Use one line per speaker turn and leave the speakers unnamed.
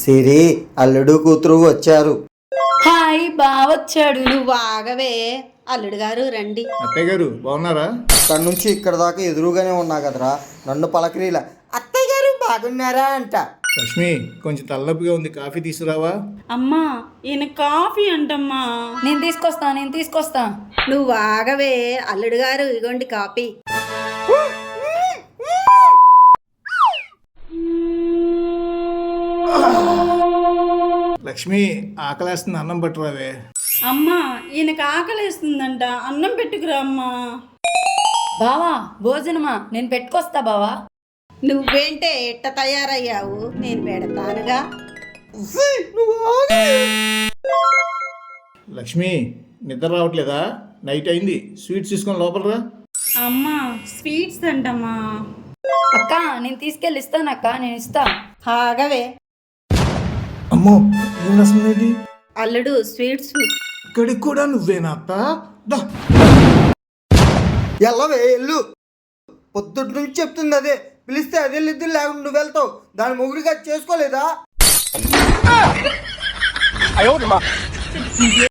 సిరి అల్లుడు కూతురు వచ్చారు.
హాయ్ బావొచ్చాడు.
నువ్వు ఆగవే, అల్లుడు గారు రండి.
అత్తయ్య గారు బాగున్నారా?
అక్కడి నుంచి ఇక్కడ దాకా ఎదురుగానే ఉన్నా కదరా, నన్ను పలకరీలా అత్తయ్య గారు బాగున్నారా అంట.
లక్ష్మి కొంచెం తలనొప్పిగా ఉంది, కాఫీ తీసుకురావా?
అమ్మా ఈయన కాఫీ అంటమ్మా.
నేను తీసుకొస్తా.
నువ్వు ఆగవే, అల్లుడు గారు ఇగోండి కాఫీ.
లక్ష్మి ఆకలేస్తుంది, అన్నం పట్టురావే.
అమ్మా ఈయనకి ఆకలేస్తుందంట, అన్నం పెట్టుకురా అమ్మా.
బావా భోజనమా? నేను పెట్టుకొస్తా బావా.
నువ్వేంటే ఎట్ట తయారయ్యావు, నేను పెడతానుగా.
లక్ష్మి నిద్ర రావట్లేదా? నైట్ అయింది, స్వీట్స్ తీసుకొని లోపలరా.
అమ్మా స్వీట్స్ అంటమ్మా.
అక్క నేను తీసుకెళ్ళి ఇస్తాను అక్క, నేను ఇస్తా.
ఆగవే
అమ్మో ఏం రాసింది?
అల్లుడు స్వీట్స్.
ఇక్కడికి కూడా నువ్వేనా అత్త? దా.
ఎల్లవే ఎల్లు, పొద్దుటి నుంచి చెప్తుంది అదే, పిలిస్తే అదే ఇద్దరు లేకుండా నువ్వు వెళ్తావు. దాని మొగుడిగా చేసుకోలేదా?